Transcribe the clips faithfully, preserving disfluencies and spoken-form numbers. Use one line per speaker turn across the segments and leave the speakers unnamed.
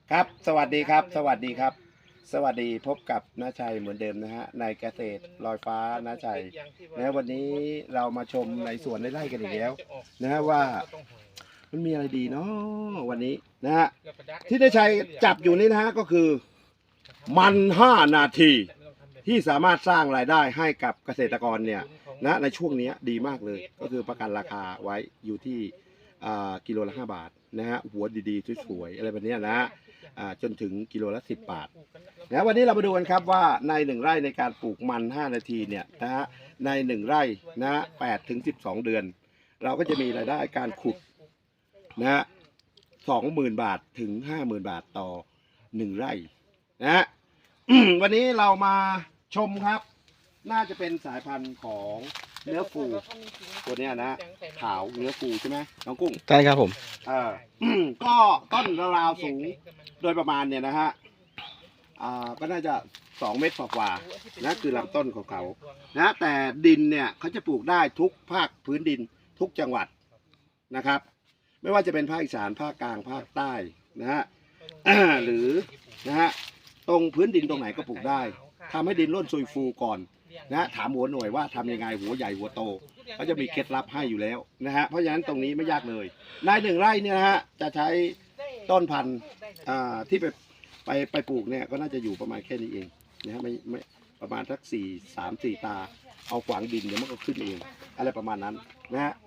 ครับสวัสดีครับสวัสดีครับสวัสดีพบกับน้าชัยเหมือนเดิมนะฮะในเกษตรลอยฟ้าน้าชัยนะวันนี้เรามาชมในสวนในไร่กันอีกแล้วนะฮะว่ามันมีอะไรดีเนาะวันนี้นะฮะที่น้าชัยจับอยู่นี่นะฮะก็คือมันห้านาทีที่สามารถสร้างรายได้ให้กับเกษตรกรเนี่ยนะในช่วงนี้ดีมากเลยก็คือประกันราคาไว้อยู่ที่กิโลละห้าบาทนะฮะหัวดีๆสวยๆอะไรแบบนี้นะจนถึงกิโลละสิบบาทนะวันนี้เรามาดูกันครับว่าในหนึ่งไร่ในการปลูกมันห้านาทีเนี่ยนะฮะในหนึ่งไร่นะแปดถึงสิบสองเดือนเราก็จะมีรายได้การขุดนะฮะสองหมื่นบาทถึงห้าหมื่นบาทต่อหนึ่งไร่นะฮะ วันนี้เรามาชมครับน่าจะเป็นสายพันธุ์ของเนื้อฟูตัวเนี้ยนะขาวเนื้อฟูใช่ไหมน้องกุ้ง
ใช่ครับผม
เออ ก็ต้นราวๆสูงโดยประมาณเนี่ยนะฮะอ่าก็น่าจะสองเมตรกว่าๆนะคือลำต้นของเขานะแต่ดินเนี่ยเขาจะปลูกได้ทุกภาคพื้นดินทุกจังหวัดนะครับไม่ว่าจะเป็นภาคอีสานภาคกลางภาคใต้นะฮะ หรือนะฮะตรงพื้นดินตรงไหนก็ปลูกได้ทำให้ดินร่วนซุยฟูก่อนนะถามหัวหน่วยว่าทำยังไงหัวใหญ่หัวโตเขาจะมีเคล็ดลับให้อยู่แล้วนะฮะเพราะฉะนั้นตรงนี้ไม่ยากเลยในหนึ่งไร่เนี่ยนะฮะจะใช้ต้นพันธุ์ที่ไปไปไปปลูกเนี่ยก็น่าจะอยู่ประมาณแค่นี้เองนะฮะไม่ไม่ประมาณสักสี่สามสี่ตาเอาขวางดินเดี๋ยวมันก็ขึ้นเองอะไรประมาณนั้นนะฮะ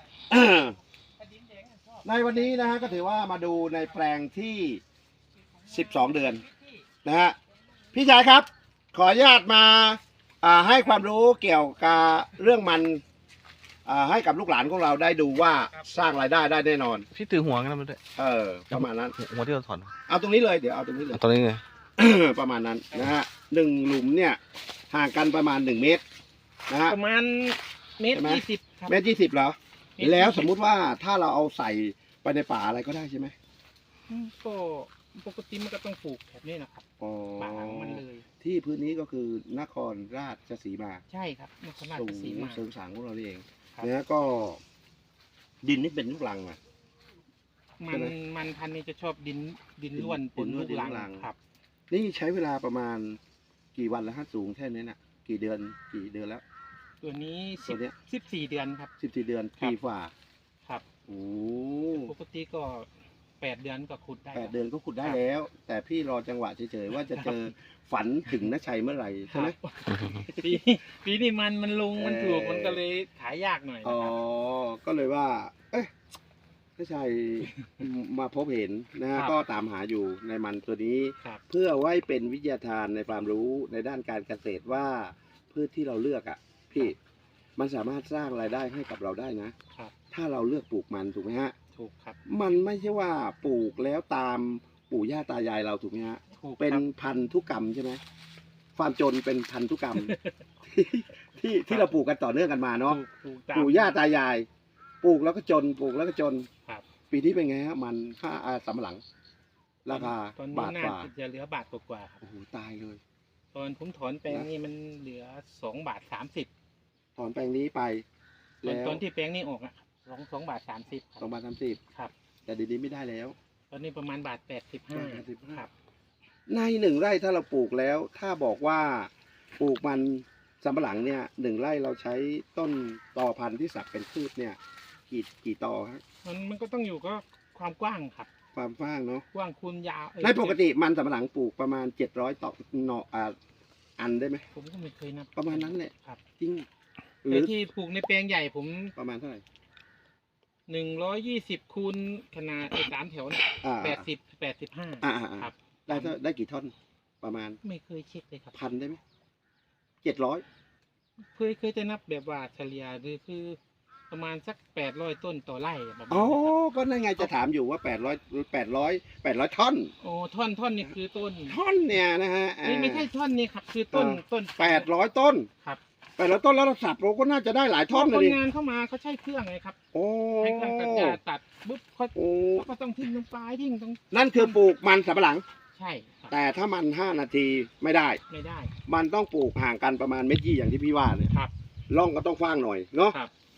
ในวันนี้นะฮะก็ถือว่ามาดูในแปลงที่สิบสองเดือนนะฮะพี่ชายครับขออนุญาตมาให้ความรู้เกี่ยวกับเรื่องมันให้กับลูกหลานของเราได้ดูว่าสร้างรายได้ได้แน่นอน
พี่ถือหัวกันมาด้วย
เออประมาณนั้น
หัวที่เราถอน
เอาตรงนี้เลยเดี๋ยวเอาตรงนี้เลย
ตรงนี้เลย
ประมาณนั้นนะฮะหนึ่งหลุมเนี่ยห่างกันประมาณหนึ่งเมตรนะฮะ
ประมาณเมตรยี่สิบครับ
เมตรยี่สิบเหรอแล้วสมมุติว่าถ้าเราเอาใส่ไปในป่าอะไรก็ได้ใช่ไหม
ก็ปกติมันก็ต้องปลูกแบบนี้นะครับป่ามันเลย
ที่พื้นนี้ก็คือนครราชสีมา
ใช่ครับนครราชสีมา
เสริมสางของเราเองเนี่ยก็ดินนี่เป็นลูกรังอ่ะ
มันมันพันธุ์นี้จะชอบดินดินล้วนปนลูกรังครับ
นี่ใช้เวลาประมาณกี่วันแล้วฮะสูงแค่นี้น่ะกี่เดือนกี่เดือนแล้ว
ตัวนี้สิบสิบสี่เดือนครับ
สิบสี่เดือนปีฝ่า
ครับ
โอ้
ปกติก็แปดเดือนก็ขุดได้
แปดเดือนก็ขุดได้แล้วแต่พี่รอจังหวะเฉยๆว่าจะเจอฝันถึงน้าชัยเมื่อไหร่ใช่ไหม
ปีปีนี้มันมันลงมันถูกมันก็เลยขายยากหน่อย
อ๋อก็เลยว่าเอ๊ะน้าชัยมาพบเห็นนะฮะก็ตามหาอยู่ในมันตัวนี้เพื่อไว้เป็นวิทยาทานในความรู้ในด้านการเกษตรว่าพืชที่เราเลือกอ่ะพี่มันสามารถสร้างรายได้ให้กับเราได้นะถ้าเราเลือกปลูกมันถูกไหมฮะ
ถูกครับ
มันไม่ใช่ว่าปลูกแล้วตามปู่ย่าตายายเราถูกไหมฮะเป็นพันธุกรรมใช่ไหมความจนเป็นพันธุกรรมที่ที่เราปลูกกันต่อเนื่องกันมาเนาะปู่ย่าตายายปลูกแล้วก็จนปลูกแล้วก็จนปีนี้เป็นไงฮะมันค่าสำปะหลังราคาบาทกว่า
จะเหลือบาทกว่า
โอ้โหตายเลย
ตอนผมถอนแปลงนี้มันเหลือสองบาทสามสิบ
ถอนแปลงนี้ไป
แล้วตอนที่แปลงนี้ออกอ่ะสองสองบาทสามสิบ
สองบาทสามสิบ
ครับ
แต่ดีๆไม่ได้แล้ว
ตอนนี้ประมาณบาทแปดสิบห้าครับ
ในหนึ่งไร่ถ้าเราปลูกแล้วถ้าบอกว่าปลูกมันสำปะหลังเนี่ยหนึ่งไร่เราใช้ต้นตอพันธุ์ที่สักเป็นพืชเนี่ยกี่กี่ตอครับ
มันมันก็ต้องอยู่ก็ความกว้างครับ
ความกว้างเนาะ
กว้างคูณยาว
ในปกติมันสำปะหลังปลูกประมาณเจ็ดร้อยต่อหน่ออ่าอันได้ไหม
ผมก็ไม่เคยนับ
ประมาณนั้นแหละ
ครับ
จริง
หรือที่ปลูกในแปลงใหญ่ผม
ประมาณเท่าไหร่
หนึ่งร้อยยี่สิบคูณขนาดไอ้สามแถวเนี่ยแปดสิบแปดสิบห้าครับ
ได้ได้กี่ท่อนประมาณ
ไม่เคยเช็คเลยครับ
พันได้ไหมเจ็ดร้อย
เคยเคยจะนับแบบว่าเฉลี่ยหรือคือประมาณสักแปดร้อยต้นต่อไร่แบบ
อ๋อก็นั่นไงจะถามอยู่ว่าแปดร้อยแปดร้อยแปดร้อยท่อน
โอ้ท่อนท่อนนี่คือต้น
ท่อนเนี่ยนะฮะ
ไม่ไม่ใช่ท่อนนี่ครับคือต้นต้น
แปดร้อยต้น
ครับ
แปดร้อยต้นแล้วเราสับเราก็น่าจะได้หลายท่อนเลย
คนงานเข้ามาเขาใช้เครื่องไงครับ
โอ้
ให้เครื่องกระจายตัดปุ๊บเขาก็ต้องทิ้งตรงปลายทิ้งตรง
นั่นคือปลูกมันสำปะหลัง
ใช่
แต่ถ้ามันห้านาทีไม่ได้
ไม่ได้
มันต้องปลูกห่างกันประมาณเมตรยี่อย่างที่พี่ว่าเนี่ย
ครับ
ร่องก็ต้องกว้างหน่อยเนาะ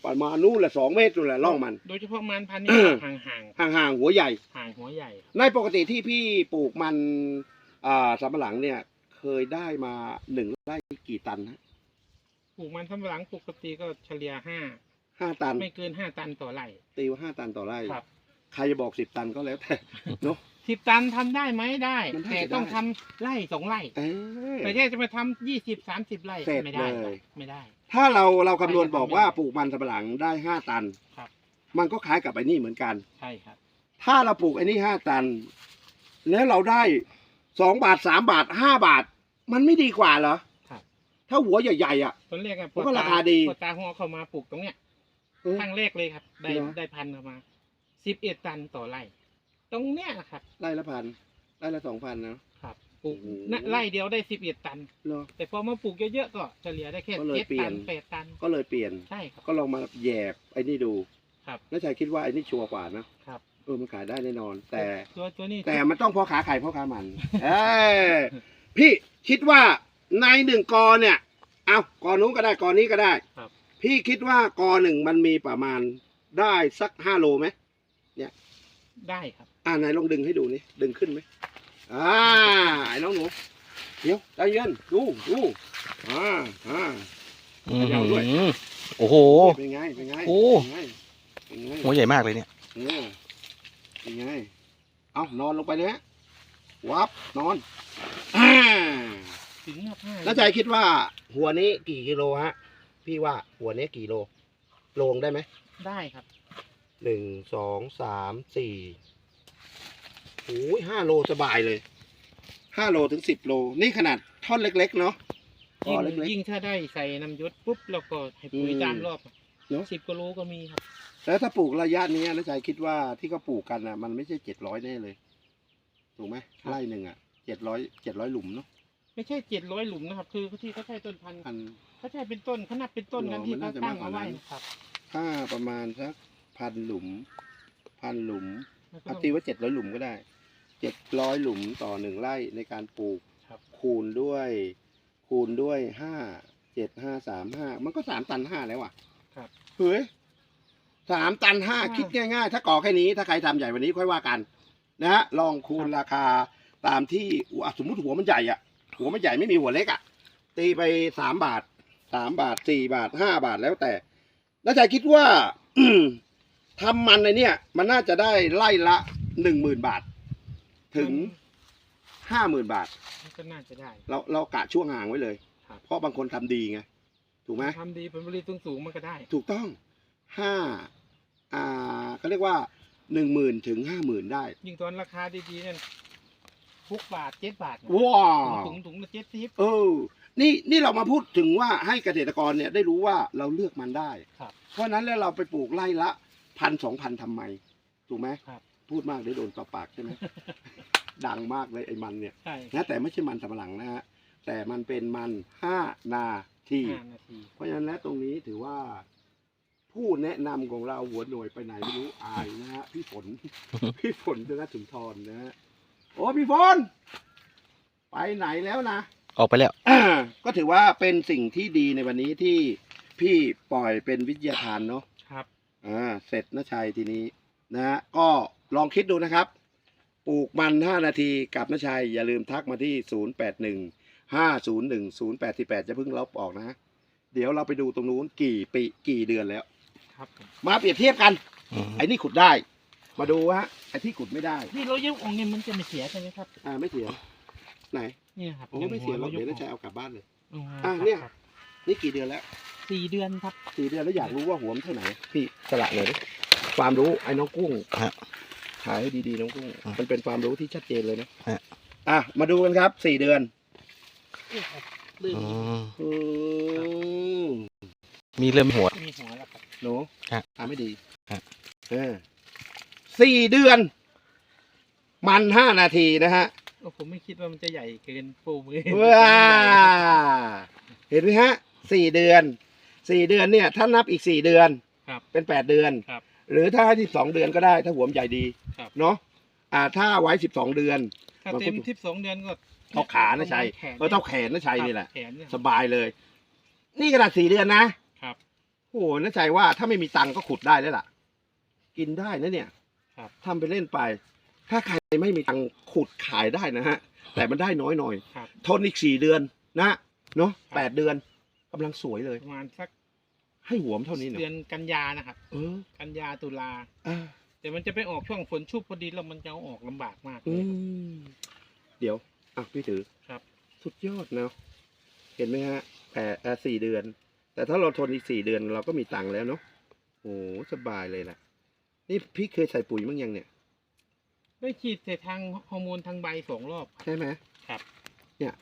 ประมาณนู้นแหละสองเมตรนู่นแหละร่องมัน
โดยเฉพาะมันพันธุ์นี้ ห่างห่าง
ห่างๆหัวใหญ่
ห่างหัวใหญ่
ในปกติที่พี่ปลูกมันอ่าสำปะหลังเนี่ยเคยได้มาหนึ่งไร่กี่ตันฮะ
ปลูกมันสำปะหลังปกติก็เฉลี่ยห้า
ห้าตัน
ไม่เกินห้าตันต่อไร่
ตีว่าห้าตันต่อไร่
ครับ
ใครจะบอกสิบตันก็แล้วแต่เนาะ
สิบตันทำได้ไหมได้
มันน่าจะ
แต่ต้อง
ได้
ทำไร่สองไร่
เอ้ย
แต่แค่จะมาทำยี่สิบสามสิบไร่
เสร็จ
ไม่ได้
เลย
ไม่ได้
ถ้าเราเราคำนวณ
ใช่ครับ
บอกว่าปลูกมันสำปะหลังได้ห้าตัน
ครับ
มันก็คล้ายกับไอ้นี่เหมือนกัน
ใช่ครับ
ถ้าเราปลูกไอ้นี่ห้าตัน แล้วเราได้สองบาทสามบาทห้าบาท มันไม่ดีกว่าเหรอ
ครับ
ถ้าหัวใหญ่ๆอ่ะ
ตอนแรกอะ
ผมว่าราคาดี
พอตาหัวเข้ามาปลูกตรงเนี้ย
เออ
ครั้งแรกเลยครับ ได้
เหรอ
ได้พันธุ์เข้ามาสิบเอ็ดตันต่อไร่ ตรงเนี้ยนะครับ
ไร่ละพันไร่ละสองพันนะครับ
ปลูก
โอ้โห
ณไร่เดียวได้สิบเอ็ดตัน
เหรอ
แต่พอมาปลูกเยอะๆก็เฉลี่ยได้แค่
ก็เลย
เจ็ด
เปลี่
ตั
ยน
นแปดตัน
ก็เลยเปลี่ยน
ใช่ครับ
ก็ลองมาแยบไอ้นี่ดู
ครับ
แล้วชายคิดว่าไอ้นี่ชัวร์กว่านะครับ เออมันขายได้แน่นอน แต่
ตัวตัวนี้
แต่มันต้องพ่อขาไข่พ่อขามัน เอ้ยพี่คิดว่าในหนึ่งกอเนี่ยเอากอนู้นก็ได้กอนี้ก็ได้
ครับ
พี่คิดว่ากอหนึ่งมันมีประมาณได้สักห้าโลไหม
ได้ครับ
อ่าไหนลองดึงให้ดูนี่ดึงขึ้นไหมอ่าไอ้น้องหนูเดี๋ยวใจเย็นดูดูอ่าอ่า
อืม
เขย่าด้วย
โอ้โห
เป็นไงเป็นไง
โอ้
เป็นไงเป็นไง
หัวใหญ่มากเลยเนี่ย
เออเป็นไงเอานอนลงไปเลยฮะวับนอนอ่า
ถึงห้า
แล้วใจคิดว่า หัวนี้กี่กิโลฮะ พี่ว่าหัวนี้กี่โลโลงได้ไหม
ได้ครับ
หนึ่งสองสามสี่โอ้ยห้าโลสบายเลยห้าโลถึงสิบโลนี่ขนาดท่อนเล็กๆเนาะท่
ยิ่
อง เล็ก
ยิ่งถ้าได้ใส่น้ำยศปุ๊บแล้วก็ให้ปุ๋ย
อืม
ตามรอบ
เนอะ
สิบกิโลก็มีครับ
ๆแล้วถ้าปลูกระยะนี้นะใจคิดว่าที่เขาปลูกกันอ่ะ มันไม่ใช่เจ็ดร้อยแน่เลยถูกไหมไร่หนึ่งอ่ะเจ็ดร้อยเจ็ดร้อยหลุมเนาะ
ไม่ใช่เจ็ดร้อยหลุมนะครับ คือที่เขาใช้ต้นพันธุ์
อัน
เขาใช้เป็นต้นเขานับเป็นต้นกัน
หรอ
ที่
มัน
เขา
น่าจะ
ตั้ง
มากกว่า
เอาไว้
นั้น
นะครับ
ถ้าประมาณสักพันหลุม พันหลุม
แล้วก็
เอา
ต้อง
ตีว่าเจ็ดร้อยหลุมก็ได้เจ็ดร้อยหลุมต่อหนึ่งไร่ในการปลูก
ครับ
คูณด้วย คูณด้วยห้าเจ็ดห้าสามห้ามันก็สามตันห้าแล้วว่ะ
ครับ
เฮ้ยสามตันห้า
อ่า
คิดง่ายๆ ถ้าก่อแค่นี้ถ้าใครทำใหญ่กวันนี้ค่อยว่ากัน นะฮะลองคูณราคาตามที่อ่ะสมมุติหัวมันใหญ่อ่ะ หัวมันใหญ่ไม่มีหัวเล็กอ่ะ ตีไปสามบาทสามบาทสี่บาทห้าบาทแล้วแต่ แล้วใจคิดว่า ทำมันในเนี่ย มันน่าจะได้ไล่ละหนึ่งหมื่นบาท ถึงห้าหมื่นบาท
มันก็น่าจะได้
เราเรากะช่วงห่างไว้เลย
ครับ
เพราะบางคนทำดีไง ถูกไหม
ทำดีผลผลิตสูงๆมันก็ได้
ถูกต้องห้าอ่าเขาเรียกว่าหนึ่งหมื่นถึงห้าหมื่นได้
ยิ่งตอนราคาดีๆนั่นหกบาทเจ็ดบาทเนี่ย
ว้าว
ถุงถุงละเจ็ดสิบ
เออ นี่นี่เรามาพูดถึงว่าให้เกษตรกรเนี่ยได้รู้ว่าเราเลือกมันได้
ครับ
เพราะฉะนั้นแล้วเราไปปลูกไร่ละพันสองพันทำไม ถูกไหม
ครับ
พูดมากเดี๋ยวโดนต่อปากใช่ไหม ดังมากเลยไอ้มันเนี่ย
ใช่
นะแต่ไม่ใช่มันสำปะหลังนะฮะ แต่มันเป็นมันห้านาที
ห้านาที
เพราะฉะนั้นแล้วตรงนี้ถือว่า ผู้แนะนำของเราหัวหน่วยไปไหนไม่รู้อายนะฮะพี่ฝน พี่ฝนธนสุนทรนะฮะโอ้พี่ฝนไปไหนแล้วนะ
ออกไปแล้ว
อ่าก็ถือว่าเป็นสิ่งที่ดีในวันนี้ที่พี่ปล่อยเป็นวิทยาทานเนาะ
ครับ
อ่าเสร็จนะชัยทีนี้นะฮะก็ลองคิดดูนะครับ ปลูกมันห้านาทีกับนะชัยอย่าลืมทักมาที่ศูนย์แปดหนึ่งห้าศูนย์หนึ่งศูนย์แปดสี่แปดจะเพิ่งลบออกนะฮะเดี๋ยวเราไปดูตรงนู้นกี่ปีกี่เดือนแล้ว
ครับผม
มาเปรียบเทียบกัน
อืม
ไอ้นี่ขุดได้ มาดูฮะไอ้ที่ขุดไม่ได้
นี่เรายกออกเนี่ยมันจะไม่เสียใช่ไหมครับ
อ่าไม่เสียไหน
เนี่ยครับ
โอ้ไม่เสียหรอก
า
เดี๋ยว
อ
นะชัยเอากลับบ้านเลย
อ๋อ
อ่ะ
ครับ
เนี่ย
ครับ
นี่กี่เดือนแล้ว
สี่เดือนครับ
สี่เดือนแล้วอยากรู้ว่าหัวมันเท่าไหร่พี่สละเลยดิความรู้ไอ้น้องกุ้ง
ฮะ
ถ่ายให้ดีๆน้องกุ้ง
อ่ะ
มันเป็นความรู้ที่ชัดเจนเลยนะ
ฮะ
อ่ะมาดูกันครับสี่เดือน
นี่ครับลื่น
อืม
อืม
มีเริ่มหัว
มีหัวแล้วครับ
หนู
ฮะ
อ่ะไม่ดี
ฮะ
เออสี่เดือน มันห้านาทีนะฮะ
โอ้ผมไม่คิดว่ามันจะใหญ่เกินปูมือ
ว้าเห็นไหมฮะสี่เดือนสี่เดือนเนี่ยถ้านับอีกสี่เดือน
ครับ
เป็นแปดเดือน
ครับ
หรือถ้าที่สองเดือนก็ได้ ถ้าหัวมันใหญ่ดี
ครับ
เนาะอ่า ถ้าไว้สิบสองเดือน
ถ้า
มันก็
เต็มทิปสองเดือนก็
เท่าขานะชัย
แขน
เออเท่าแขนนะชัยนี่แหละ
แขนเนี่ย
สบายเลย นี่ขนาดสี่เดือนนะ
ครับ
โอ้โหน่าใจว่าถ้าไม่มีตังค์ก็ขุดได้แล้วล่ะ กินได้นะเนี่ย
ครับ
ทำไปเล่นไป ถ้าใครไม่มีตังค์ขุดขายได้นะฮะ แต่มันได้น้อยหน่อย
ครับ
ทนอีกสี่เดือนนะเนาะ
ครับ
แปดเดือนกำลังสวยเลย
ประมาณสัก
ให้หัวมนเท่านี้เนาะ
เดือนกันยานะครับ
เออ
กันยาตุลา
อ่า
แต่มันจะไปออกช่วงฝนชุบพอดีแล้วมันจะเอาออกลำบากมากเล
อื
ย
มเดี๋ยวอ่ะพี่ถือ
ครับ
สุดยอดเนาะเห็นไหมฮะแปดเอ่อสี่เดือน แต่ถ้าเราทนอีกสี่เดือนเราก็มีตังค์แล้วเนาะโอ้สบายเลยล่ะ นี่พี่เคยใส่ปุ๋ยมั้งยังเนี่ย
ได้ฉีดแต่ทางฮอร์โมนทางใบสองรอบ
ใช่ไหม
ครับ
เนี่ย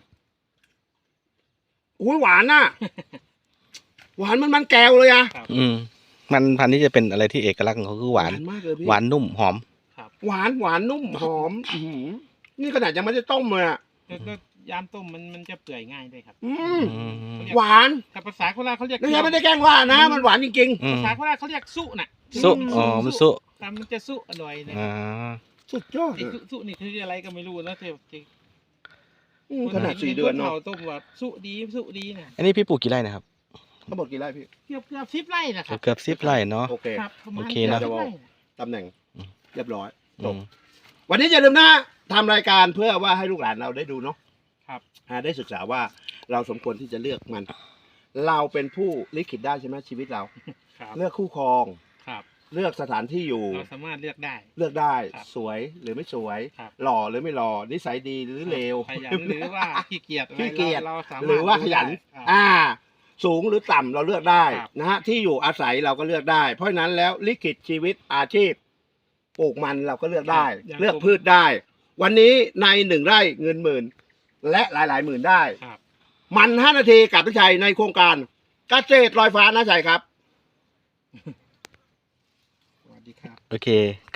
อุ้ยหวานน่ะ หวานมันมันแก้วเลยอะ
ครับ
อืมมันพันธุ์นี้จะเป็นอะไรที่เอกลักษณ์ของเขาคือหวาน
มากเลยพี่
หวานนุ่มหอม
ครับ
หวานหวานนุ่มหอมอื้อหือนี่ขนาดยังไม่ได้ต้มเลยอะ
แล้วก็ยามต้มมันมันจะเปื่อยง่ายด้วยครับ
อืม
อืม
หวาน
แต่ภาษาโคราชเขาเรียก
นี่ยังไม่ได้แกล้งว่านะ มันหวานจริง
อืม
ภาษาโคราชเขาเรียกสุน่ะ
สุ
อืม
อ๋อมันสุ
ครับมันจะสุอร่อยเลย
อ่า
ๆ สุดยอด
ไอ้
อะ
สุสุนี่คืออะไรก็ไม่รู้นะแต่แต่
อืมขนาดสี่เดือนเนาะ
คต้มว่าสุดีสุดีนะ
อันนี้พี่ปลูกกี่ไร่นะครับ
ทั้งหมดกี่ไร่พี่
เกือบเกือบสิบไร่นะครับ
เกือบสิบไร่เนาะ
โอเค
ครับประมาณ
โอเคนะ
กืบสิบไร่
ตำแหน่ง
อืม
เรียบร้อยจ
อื
บ
ม
วันนี้อย่าลืมนะทำรายการเพื่อว่าให้ลูกหลานเราได้ดูเนาะ
ครับ
อ่าได้ศึกษาว่าเราสมควรที่จะเลือกมัน เราเป็นผู้ลิขิตได้ใช่ไหมชีวิตเรา
ครับ
เลือกคู่ครอง
ครับ
เลือกสถานที่อยู่
เราสามารถเลือกได้
เลือกได้
ครับ
สวยหรือไม่สวย
ครับ
หล่อหรือไม่หล่อนิสัยดีหรือเลว
ขยันหรือว่าขี้เกียจอะไร
ขี้เกียจ
เราสามารถ
หรือว่าขยัน
ดูได้ครับ
อ่า สูงหรือต่ำเราเลือกได้
ครับ
นะฮะที่อยู่อาศัยเราก็เลือกได้ เพราะฉะนั้นแล้วลิขิตชีวิตอาชีพปลูกมันเราก็เลือกได้
อย่าง
เลือก
ผม
พืชได้ วันนี้ในหนึ่งไร่เงินหมื่น และหลายหลายๆหมื่นได้
ครับ
มันห้านาทีกับพี่ชัยในโครงการเกษตรลอยฟ้านะชัยครับ
สวัสดีครับ
โอเค